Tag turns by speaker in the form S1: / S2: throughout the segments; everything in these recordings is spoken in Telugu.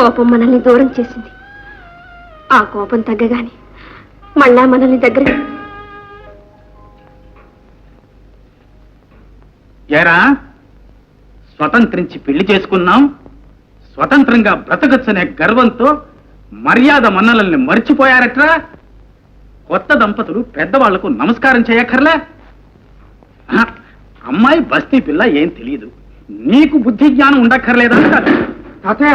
S1: కోపం మనల్ని దూరం చేసింది. ఆ కోపం తగ్గగానే మళ్ళా మనల్ని దగ్గర.
S2: ఏరా, స్వతంత్రించి పెళ్లి చేసుకున్నాం, స్వతంత్రంగా బ్రతకచ్చనే గర్వంతో మర్యాద మన్నలల్ని మర్చిపోయారట్రా. కొత్త దంపతులు పెద్దవాళ్లకు నమస్కారం చేయక్కర్లే. అమ్మాయి బస్తీ పిల్ల ఏం తెలియదు, నీకు బుద్ధి జ్ఞానం ఉండక్కర్లేదా? తాతయ్య,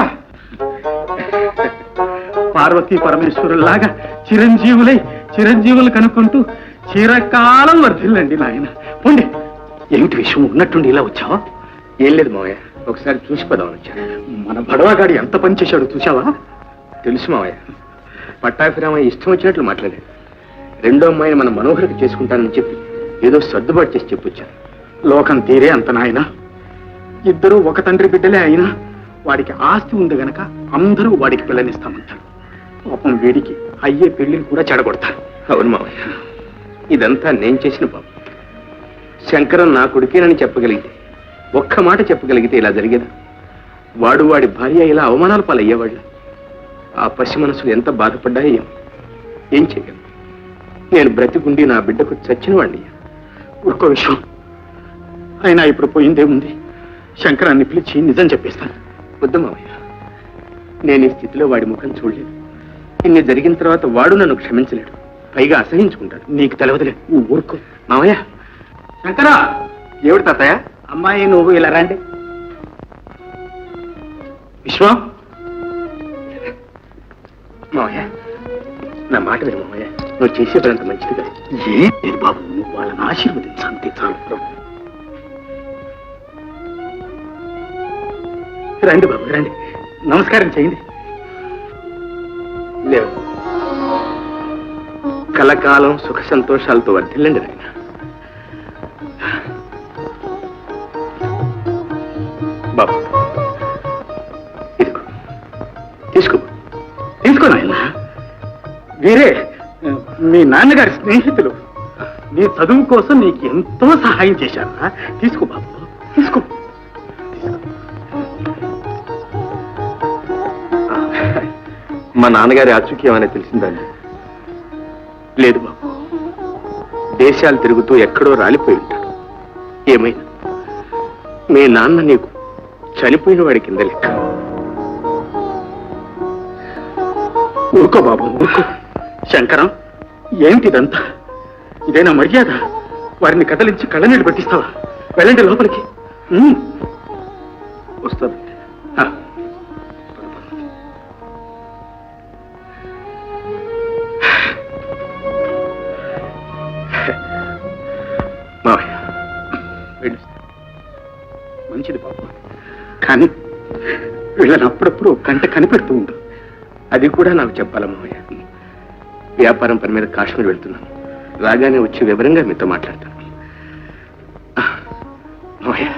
S2: పార్వతీ పరమేశ్వరులాగా చిరంజీవులు కనుక్కుంటూ చిరకాలం వర్ధిల్లండి నాయన. పోండి. ఏమిటి విషయం? ఉన్నట్టుండి ఇలా వచ్చావా?
S3: ఏం లేదు మావయ్య, ఒకసారి చూసిపోదామని వచ్చాను.
S2: మన బడవాగాడి ఎంత పని చేశాడు చూసావా?
S3: తెలుసు మావయ్య, పట్టాభిరామయ్య ఇష్టం వచ్చినట్లు మాట్లాడాడు. రెండో అమ్మాయిని మన మనోహరికి చేసుకుంటానని చెప్పి ఏదో సర్దుబాటు చేసి చెప్పొచ్చాను.
S2: లోకం తీరే అంత నాయన. ఇద్దరూ ఒక తండ్రి బిడ్డలే అయినా వాడికి ఆస్తి ఉంది గనక అందరూ వాడికి పిల్లనిస్తామంటారు. పాపం వీడికి అయ్యే పెళ్లిని కూడా చెడగొడతారు.
S3: అవును మావయ్య, ఇదంతా నేను చేసిన పాపం. శంకరం నా కొడుకేనని చెప్పగలిగితే, ఒక్క మాట చెప్పగలిగితే ఇలా జరిగేదా? వాడు వాడి భార్య ఇలా అవమానాల పాలయ్యేవాళ్ళు. ఆ పసి మనసులు ఎంత బాధపడ్డాయో ఏం చేయగలను? నేను బ్రతికుండి నా బిడ్డకు చచ్చిన వాడిని.
S2: ఒక్క విషయం, అయినా ఇప్పుడు పోయిందేముంది? శంకరాన్ని పిలిచి నిజం చెప్పేస్తాను.
S3: వద్దు మావయ్య, నేను ఈ స్థితిలో వాడి ముఖం చూడలేదు. ఇన్ని జరిగిన తర్వాత వాడు నన్ను క్షమించలేడు, పైగా అసహించుకుంటాడు.
S2: నీకు తెలవదులే, నువ్వు ఊరుకో.
S3: మావయ్య.
S2: శంకరా!
S3: ఏమిటి తాతయ్య?
S2: అమ్మాయి నువ్వు ఇలా రండి. విశ్వం,
S3: మావయ్య నా మాట విను మావయ్య, నువ్వు చేసే పని అంత మంచిది కాదు.
S2: ఏం లేదు బాబు, నువ్వు వాళ్ళని ఆశీర్వదించంతే చాలు. రండి బాబు, రండి, నమస్కారం చేయండి.
S3: లేవు, కలకాలం సుఖ సంతోషాలతో వర్ధిల్లండి నాయన. బాబు ఇదిగో,
S2: తీసుకో నాయన. వీరే మీ నాన్నగారి స్నేహితులు. నీ చదువు కోసం నీకు ఎంతో సహాయం చేశారా. తీసుకో బాబు, తీసుకో.
S3: మా నాన్నగారి ఆచూక్యం ఏమైనా తెలిసిందండి?
S2: లేదు బాబు,
S3: దేశాలు తిరుగుతూ ఎక్కడో రాలిపోయి ఉంటాడు. ఏమైనా మీ నాన్న నీకు చనిపోయిన వాడి కింద లెక్క.
S2: ఊరుకో బాబు, ఊరుకో. శంకరం, ఏమిటిదంతా? ఇదేనా మర్యాద? వారిని కదలించి కళ్ళనీళ్ళు పెట్టిస్తావా? వెళ్ళండి లోపలికి.
S3: వస్తుంది.
S2: మంచిది బాబు, కానీ వీళ్ళని అప్పుడప్పుడు కంట కనిపెడుతూ ఉండు.
S3: అది కూడా నాకు చెప్పాలా మావయ్య? వ్యాపారం పని మీద కాశ్మీర్ వెళ్తున్నాను. రాగానే వచ్చి వివరంగా మీతో మాట్లాడతాను. మావయ్య,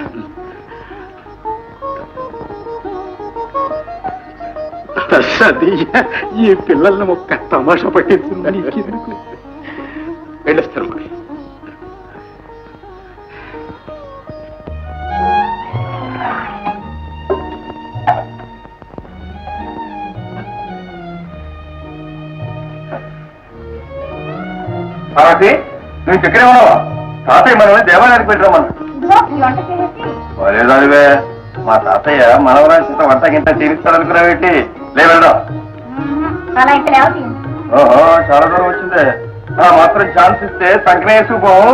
S2: ఈ పిల్లల్ని ఒక్క తమాషా పట్టించిందని
S3: వెళ్ళొస్తాను మావయ్య.
S4: నువ్వు ఇక్కడే ఉన్నావా? తాతయ్య మనల్ని దేవాలయానికి పెట్టిరమ్మన్నా. లేదానివే, మా తాతయ్య మనవరాంత వంట గింట తీరుస్తాడనుకున్నావేంటి? లేవెళ్దాం. ఓహో, చాలా దూరం వచ్చిందే. మాత్రం ఛాన్స్ ఇస్తే సంక్రేసుకుపోం.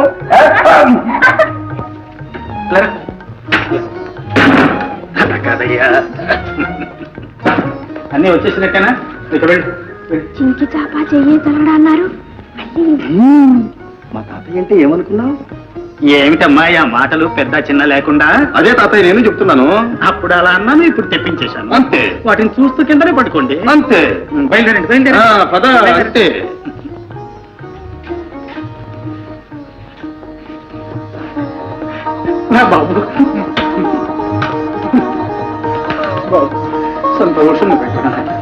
S2: కాదయ్యా, అన్నీ వచ్చేసినట్టేనా?
S1: చింకి చాపా చెయ్యి తలడా అన్నారు.
S4: మా తాతయ్య అంటే ఏమనుకున్నావు?
S2: ఏమిటమ్మా ఆ మాటలు పెద్ద చిన్న లేకుండా?
S4: అదే తాతయ్య నేను చెప్తున్నాను.
S2: అప్పుడు అలా అన్నాను, ఇప్పుడు తెప్పించేశాను.
S4: అంతే.
S2: వాటిని చూస్తూ కిందనే పట్టుకోండి.
S4: అంతే.
S2: బయలుదేరండి, బయలుదేరండి.
S4: పద. అంతే.
S2: బాబు, బాబు సంతోషంగా పెట్టినా